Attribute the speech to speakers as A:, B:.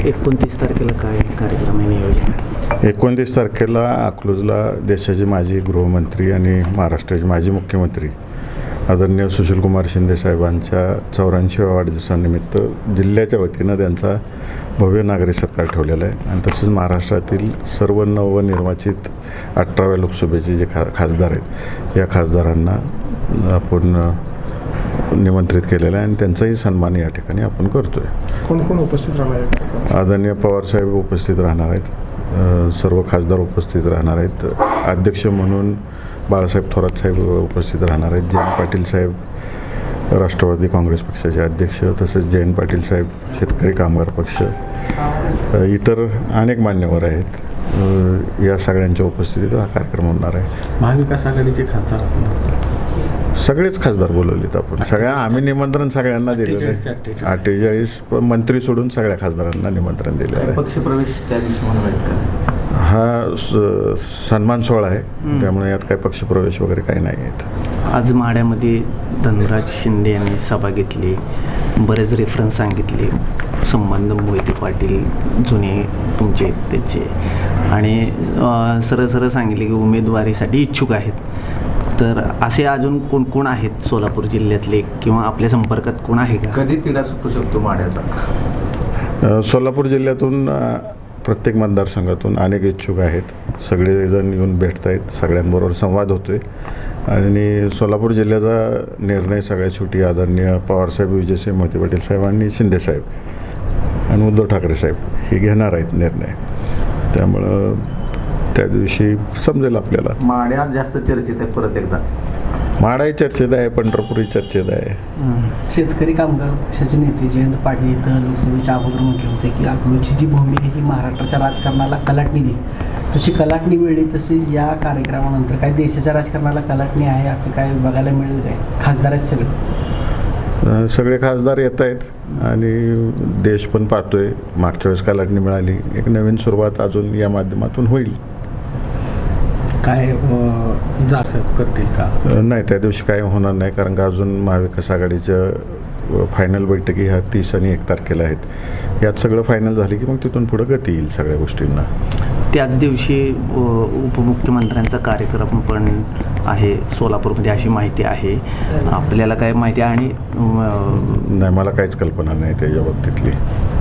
A: 29 तारखेला काय कार्यक्रम आहे, नियोजन आहे?
B: 29 तारखेला अकलूजला देशाचे माजी गृहमंत्री आणि महाराष्ट्राचे माजी मुख्यमंत्री आदरणीय सुशीलकुमार शिंदे साहेबांच्या 84व्या वाढदिवसानिमित्त जिल्ह्याच्या वतीनं त्यांचा भव्य नागरी सत्कार ठेवलेला आहे. आणि तसेच महाराष्ट्रातील सर्व नवनिर्वाचित 18व्या लोकसभेचे जे खासदार आहेत या खासदारांना आपण निमंत्रित केलेलं आहे आणि त्यांचाही सन्मान या ठिकाणी आपण करतो आहे.
C: कोण कोण उपस्थित राहणार आहेत?
B: आदरणीय पवारसाहेब उपस्थित राहणार आहेत, सर्व खासदार उपस्थित राहणार आहेत. अध्यक्ष म्हणून बाळासाहेब थोरात साहेब उपस्थित राहणार आहेत. जयंत पाटील साहेब राष्ट्रवादी काँग्रेस पक्षाचे अध्यक्ष, तसेच जयंत पाटील साहेब शेतकरी कामगार पक्ष, इतर अनेक मान्यवर आहेत. या सगळ्यांच्या उपस्थितीत हा कार्यक्रम होणार आहे.
A: महाविकास आघाडीचे खासदार असणार
B: सगळेच खासदार बोलवलेत आपण. आम्ही निमंत्रण सगळ्यांना दिलेलं आहे. 48 मंत्री सोडून सगळ्या खासदारांना निमंत्रण दिलेलं आहे.
A: पक्षप्रवेश त्या दिवशी होणार आहेत का?
B: हा सन्मान सोहळा आहे, त्यामुळे यात काही पक्षप्रवेश वगैरे काही नाही आहेत.
A: आज माढ्यामध्ये धनराज शिंदे यांनी सभा घेतली, बरेच रेफरन्स सांगितले, संबंध मोहिते पाटील जुने तुमचे त्याचे, आणि सरळ सरळ सांगितले की उमेदवारीसाठी इच्छुक आहेत. तर असे अजून कोण कोण आहेत सोलापूर जिल्ह्यातले किंवा आपल्या संपर्कात कोण आहे का?
D: कधी तिढा सुटू शकतो माढ्याचा?
B: सोलापूर जिल्ह्यातून प्रत्येक मतदारसंघातून अनेक इच्छुक आहेत. सगळेजण येऊन भेटत आहेत, सगळ्यांबरोबर संवाद होतो आहे. आणि सोलापूर जिल्ह्याचा निर्णय सगळ्यात शेवटी आदरणीय पवारसाहेब, विजयसिंह मोहिते पाटील साहेब आणि शिंदेसाहेब आणि उद्धव ठाकरे साहेब हे घेणार आहेत निर्णय. त्यामुळं त्या दिवशी समजेल आपल्याला.
D: माढ्यात जास्त चर्चेत आहे परत एकदा.
B: माढाही चर्चेत आहे, पंढरपूरही चर्चेत आहे.
E: शेतकरी कामगार पक्षाचे नेते जयंत पाटील इथं लोकसभेच्या अगोदर म्हटले होते की अकलूजची जी भूमी आहे ही महाराष्ट्राच्या राजकारणाला कलाटणी देईल. तशी कलाटणी मिळली, तशी या कार्यक्रमानंतर काय देशाच्या राजकारणाला कलाटणी आहे असं काय बघायला मिळेल काय? खासदार आहेत
B: सगळे खासदार येत आहेत आणि देश पण पाहतोय. मागच्या वेळेस कलाटणी मिळाली, एक नवीन सुरुवात अजून या माध्यमातून होईल.
E: काय जारसाहेब करतील का?
B: नाही, त्या दिवशी काय होणार नाही, कारण का अजून महाविकास आघाडीच्या फायनल बैठकी ह्या 30 आणि 1 तारखेला आहेत. यात सगळं फायनल झालं की मग तिथून पुढं गती येईल सगळ्या गोष्टींना.
A: त्याच दिवशी उपमुख्यमंत्र्यांचा कार्यक्रम पण आहे सोलापूरमध्ये अशी माहिती आहे. आपल्याला काय माहिती आहे? आणि
B: नाही, मला काहीच कल्पना नाही त्याच्या बाबतीतली.